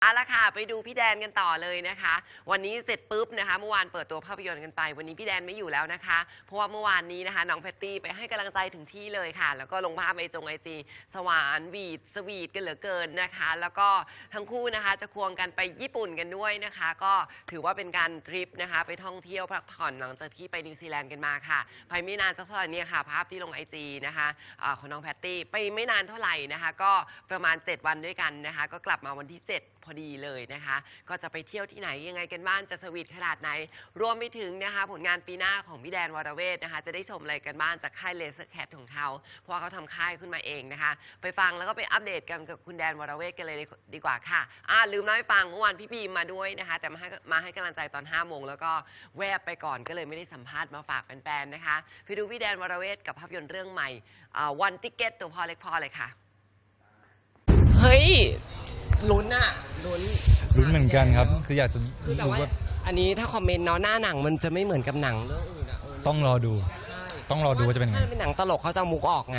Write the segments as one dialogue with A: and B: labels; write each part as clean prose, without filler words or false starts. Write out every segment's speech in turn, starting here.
A: เอาละค่ะไปดูพี่แดนกันต่อเลยนะคะวันนี้เสร็จปุ๊บนะคะเมื่อวานเปิดตัวภาพยนตร์กันไปวันนี้พี่แดนไม่อยู่แล้วนะคะเพราะว่าเมื่อวานนี้นะคะน้องแพตตี้ไปให้กำลังใจถึงที่เลยค่ะแล้วก็ลงภาพไอจีสวานวีดสวีทกันเหลือเกินนะคะแล้วก็ทั้งคู่นะคะจะควงกันไปญี่ปุ่นกันด้วยนะคะก็ถือว่าเป็นการทริปนะคะไปท่องเที่ยวพักผ่อนหลังจากที่ไปนิวซีแลนด์กันมาค่ะไปไม่นานสักเท่าไหร่เนี่ยค่ะภาพที่ลงไอจีนะคะของน้องแพตตี้ไปไม่นานเท่าไหร่นะคะก็ประมาณ7 วันด้วยกันนะคะก็กลับมาวันที่7พอดีเลยนะคะก็จะไปเที่ยวที่ไหนยังไงกันบ้างจะสวีทขนาดไหนรวมไปถึงนะคะผลงานปีหน้าของพี่แดนวรเวทนะคะจะได้ชมอะไรกันบ้างจากค่ายเลเซอร์แคทของเขาเพราะว่าเขาทำค่ายขึ้นมาเองนะคะไปฟังแล้วก็ไปอัปเดตกันกับคุณแดนวรเวทกันเลยดีกว่าค่ะลืมเล่าให้ฟังเมื่อวานพี่บีมมาด้วยนะคะแต่มาให้กำลังใจตอน5 โมงแล้วก็แวบไปก่อนก็เลยไม่ได้สัมภาษณ์มาฝากแฟนๆนะคะไปดูพี่แดนวรเวทกับภาพยนตร์เรื่องใหม่วันติ๊กเก็ตตัวพอเล็กพอเลยค่ะเฮ้ยลุ้นอะ
B: ลุ้นเหมือนกันครับคืออยากจะ
A: แต่ว่าอันนี้ถ้าคอมเมนต์เนาะหน้าหนังมันจะไม่เหมือนกับหนังเรื่องอื่นอะ
B: ต้องรอดูว่าจะเป็นยังไง
A: ถ้าเป็นหนังตลกเขาจะเอามุกออกไง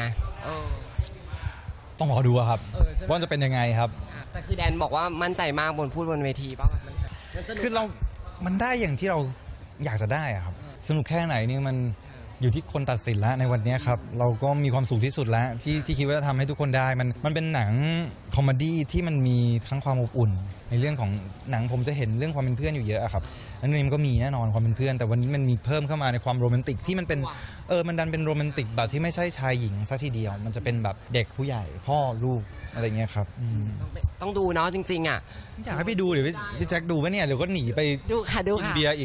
B: ต้องรอดูครับว่าจะเป็นยังไงครับ
A: แต่คือแดนบอกว่ามั่นใจมากพูดบนเวทีป่ะ
B: คือมันได้อย่างที่เราอยากจะได้ครับสนุกแค่ไหนนี่มันอยู่ที่คนตัดสินแล้วในวันนี้ครับเราก็มีความสุขที่สุดแล้วที่คิดว่าจะทำให้ทุกคนได้มันเป็นหนังคอมเมดี้ที่มันมีทั้งความอบอุ่นในเรื่องของหนังผมจะเห็นเรื่องความเป็นเพื่อนอยู่เยอะครับอันนี้มันก็มีแน่นอนความเป็นเพื่อนแต่วันนี้มันมีเพิ่มเข้ามาในความโรแมนติกที่มันเป็นมันดันเป็นโรแมนติกแบบที่ไม่ใช่ชายหญิงซะทีเดียวมันจะเป็นแบบเด็กผู้ใหญ่พ่อลูกอะไรเงี้ยครับ
A: ต้องดูเนาะจริงๆอ่ะ
B: อยากให้ไปดูเดี๋ยวพี่แจ็คดูไหมเนี่ยเดี๋ยวก็หนีไป
A: ดูค่ะ
B: กินเบียร์อีก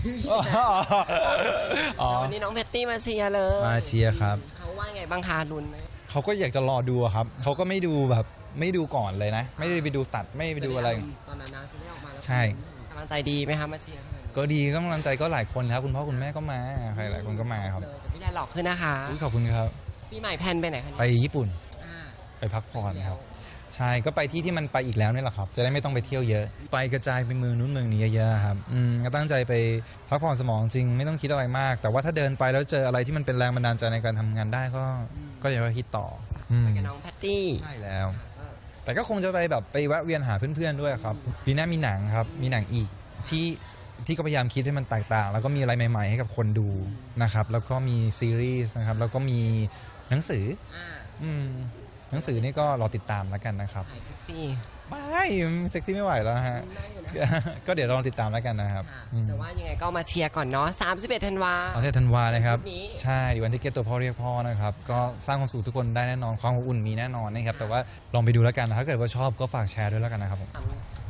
A: วันนี้น้องแพตตี้มาเชียร์เลย
B: มาเชียร์ครับ
A: เขาว่าไงบ้างคะลุ้นไหม
B: เขาก็อยากจะรอดูครับเขาก็ไม่ดูแบบไม่ดูก่อนเลยนะไม่ได้ไปดูตัดไม่ไปดูอะไร
A: ตอนนั้นนะที่ได้ออกมาแล้ว
B: ใช่
A: กำลังใจดีไหมคะมาเชียร์
B: ก็ดีก็กำลังใจก็หลายคนครับคุณพ่อคุณแม่ก็มาใครหลายคนก็มาครับ
A: พี่แดนหลอกขึ้นนะคะ
B: ขอบคุณครับ
A: ปีใหม่แพนไปไหนคะ
B: ไปญี่ปุ่นไปพักผ่อนครับใช่ก็ไปที่มันไปอีกแล้วนี่แหละครับจะได้ไม่ต้องไปเที่ยวเยอะไปกระจายไปเมืองนู้นเมืองนี้เยอะๆครับก็ตั้งใจไปพักผ่อนสมองจริงไม่ต้องคิดอะไรมากแต่ว่าถ้าเดินไปแล้วเจออะไรที่มันเป็นแรงบันดาลใจในการทำงานได้ก็อย่าไปคิดต่อ
A: ไปกับน้องแพตตี้
B: ใช่แล้วแต่ก็คงจะไปแบบไปแวะเวียนหาเพื่อนๆด้วยครับปีหน้ามีหนังครับมีหนังอีกที่ก็พยายามคิดให้มันแตกต่างแล้วก็มีอะไรใหม่ๆให้กับคนดูนะครับแล้วก็มีซีรีส์นะครับแล้วก็มีหนังสือหนังสือนี่ก็รอติดตามแล้วกันนะครับ
A: เซ็กซี่
B: ไม่เซ็กซี่ไม่ไหวแล้วฮะก็เดี๋ยวรอติดตามแล้วกันนะครับ
A: แต่ว่ายังไงก็มาเชียร์ก่อนเนาะ31 ธันวา
B: 31 ธันวานะครับใช่วันที่เกตตัวพ่อเรียกพ่อนะครับก็สร้างความสุขทุกคนได้แน่นอนความอบอุ่นมีแน่นอนนะครับแต่ว่าลองไปดูแล้วกันถ้าเกิดว่าชอบก็ฝากแชร์ด้วยแล้วกันนะครับผม